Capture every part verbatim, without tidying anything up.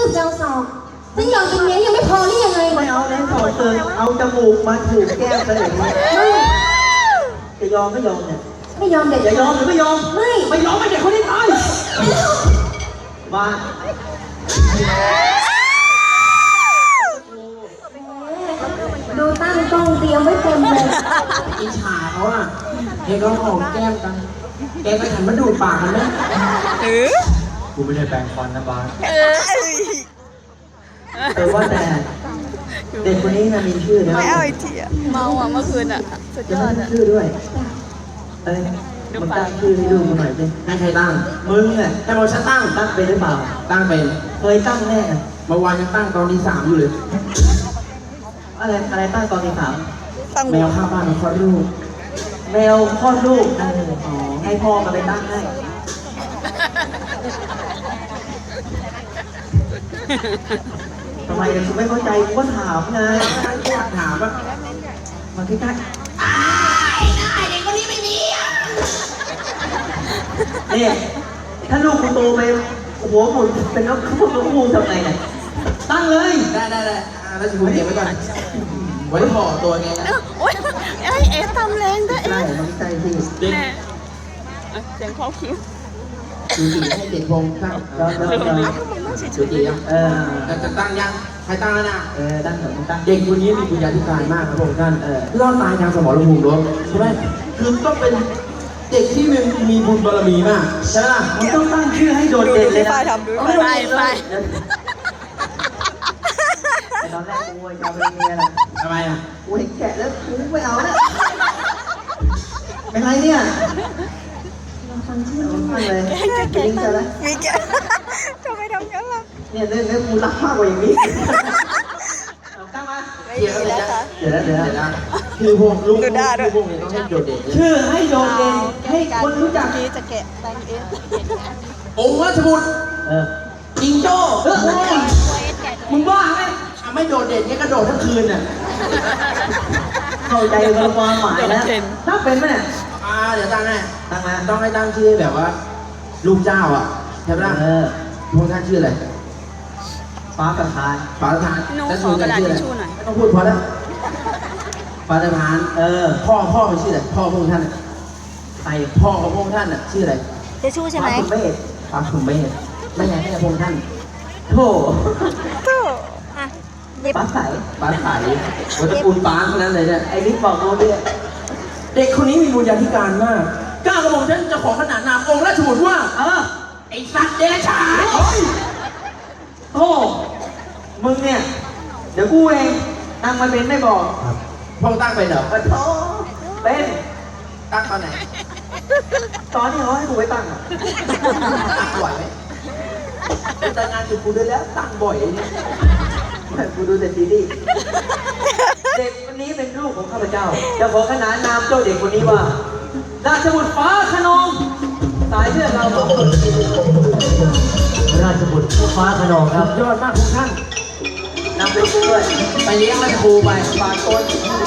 จะเอาศอกฉันยอมกินเนี้ยยังไม่พอหรือยังไงไม่เอาแล้วสองเติมเอาจมูกมาถูกแก้มกันอย่างนี้ไม่จะยอมไม่ยอมเนี่ยไม่ยอมเด็ดจะยอมหรือไม่ยอมไม่ไม่ยอมไม่เด็กคนนี้ตายมาดูตั้งกล้องเตรียมไว้เต็มเลยอิจฉาเขาอ่ะเฮ้ยก็หอมแก้มกันแกก็หันมาดูดปากกันไหมเออกูไม่ได้แปรงฟันนะบาสแต่ว่าแต่เด็กคนนี้นะมีชื่อนะไม่เอาไอทีอะเมาอ่ะเมื่อคืนอ่ะสุดยจะอไม่ดมีอ่ะชื่อด้วยเอ้ยมึงตั้งชื่อให้ดูกูหน่อยสิให้ใครตั้งมึงอ่ะให้บอกฉันตั้งตั้งเป็นหรือเปล่าตั้งเป็นเคยตั้งแน่อะเมื่อวานยังตั้งตอนที่สามอยู่เลยอะไรอะไรตั้งตอนที่สามตั้งแมวข้างบ้านมันคลอดลูกแมวคลอดลูกอ๋อให้พ่อมาไปตั้งให้ทำไมกูไม่เข้าใจกูก็ถามไงอยากถามว่ามาใกล้ๆอ้ายนายเด็กคนนี้ไม่มีอ่ะนี่ถ้าลูกกูโตไปหัวหมุนเป็นนกคู่นกคู่ทำไงเนี่ยตั้งเลยได้ได้ได้อ่าแล้วจะพูดเก็บไว้ก่อนไว้ห่อตัวไงนะโอ๊ยไอเอ๋ทำแรงด้วยใช่มันใช่ที่เด็กแม่เสียงคอคิ้วดูสีให้เด็กพงตั้งแล้วแล้วแล้วดูสียังเออจะจะตั้งยังใครตั้งแล้วนะเออตั้งเถอะมึงตั้งเด็กคนนี้มีปัญญาธิการมากครับผมท่านเออรอดตายทางสมรภูมิรบใช่ไหมคือต้องเป็นเด็กที่มีมีบุญบารมีมากใช่ไหมล่ะมึงต้องตั้งชื่อให้โดดเด่นเลยนะไปไปไปแต่ตอนแรกกูจะเอาไปเมียแหละทำไมอ่ะกูเห็นแกะแล้วกูไม่เอาแล้วเป็นไรเนี่ยลองฟังชื่อเอามันหน่ตั้อยงเลยแกแกแกลิงก์จะแล้วมีแกทำไมทำงั้นล่ะเนี่ยเรื่องนี้กูรักมากกว่าอย่างนี้เอาตั้งมาไม่ดีแล้วค่ะเดี๋ยวนะเดี๋ยวเดี๋ยวนะนะคือพวกลูกดูได้ด้วยพวกนี้ต้องให้โดดเด่นชื่อให้โดดเด่นให้คนรู้จักนี้จะแกะตังเององค์ราชบุตรเออจิงโจ้เออมึงบ้าไหมอ่ะไม่โดดเด่นเนี่ยกระโดดทั้งคืนน่ะเข้าใจกับความหมายแล้วถ้าเป็นไหมเนี่ยอ่าเดี๋ยวตั้งให้ตั้งมาต้องให้ตั้งชื่อแบบว่า ลูกเจ้าอ่ะใช่ไหมล่ะเออพวกท่านชื่ออะไรฟ้าประทานฟ้าประธานหนูแล้วขอกระดาษชื่ทิชไรชู่หน่อยไม่ต้องพูดพอแล้วฟ้าประธานเออพ่อพ่อเป็นชื่ออะไรพ่อพวกท่านน่ะใส่พ่อของพวกท่านน่ะชื่ออะไรทิชชู่ใช่ไหมฟ้าคุณเมฆฟ้าผมไม่เห็นไม่ใช่แค่พวกท่านโธ่ตู้อ่ะหยิบฟ้าใสฟ้าใสวัตระกูลฟ้าเท่านั้นเลยเนี่ยไอ้นี่บอกกูเนี่ยเด็กคนนี้มีบุญญาธิการมากกล้ากระบอกฉันจะขอขนานนามองค์ราชบุตรว่าเออไอ้สัตว์เดรัจฉานโธ่มึงเนี่ย เดี๋ยวกูเองตั้งมาเป็นไม่บอกพ่อตั้งไปเหรอมาโธ่เป็นตั้งตอนไหนตอนที่เขาให้กูไปตั้งอ่ะตั้งบ่อยไหมแต่งานอยู่กูด้วยแล้วตั้งบ่อยเนี่ยกูดูแต่ซีรีส์เด็กคนนี้เป็นลูกของข้าพเจ้า จะขอขนานนามเจ้าเด็กคนนี้ว่า ราชบุตรฟ้าขนองสายเลือดเราสองคนราชบุตรฟ้าขนองครับยอดมากทุกท่านนำไปช่วยไปเลี้ยงราชครูไปฝากต้น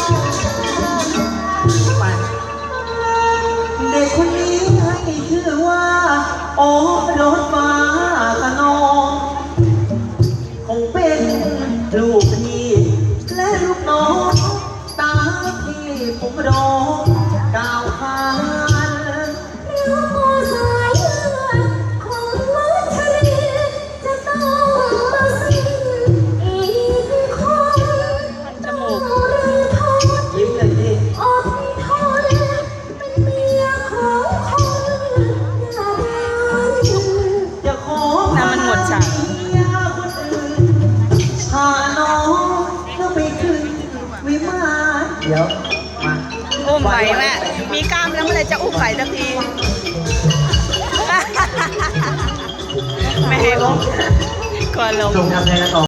ไปเด็กคนนี้ให้ชื่อว่า โอ้รถฟ้าขนองคงเป็นลูกพี่และลูกน้องตาที่ผมรองกล่าวขานลูกสายเลือดของวัชรีจะต้องมาสิ้นอีกคนต้องเรียนทนยิ้มเลยดิอดทนเป็นเมียของคนหน้าด้านจะขอน้ำมันหมดจ้ะเมียคนอื่นพาน้องก็ไปขึ้นวิมานเดี๋ยว มาอุ้มไหวแม่มีกล้ามแล้วเมื่อไหรจะอุ้มไหวสักทีไม่ให้อุ้มก่อนลงจงทำใจกันต่อ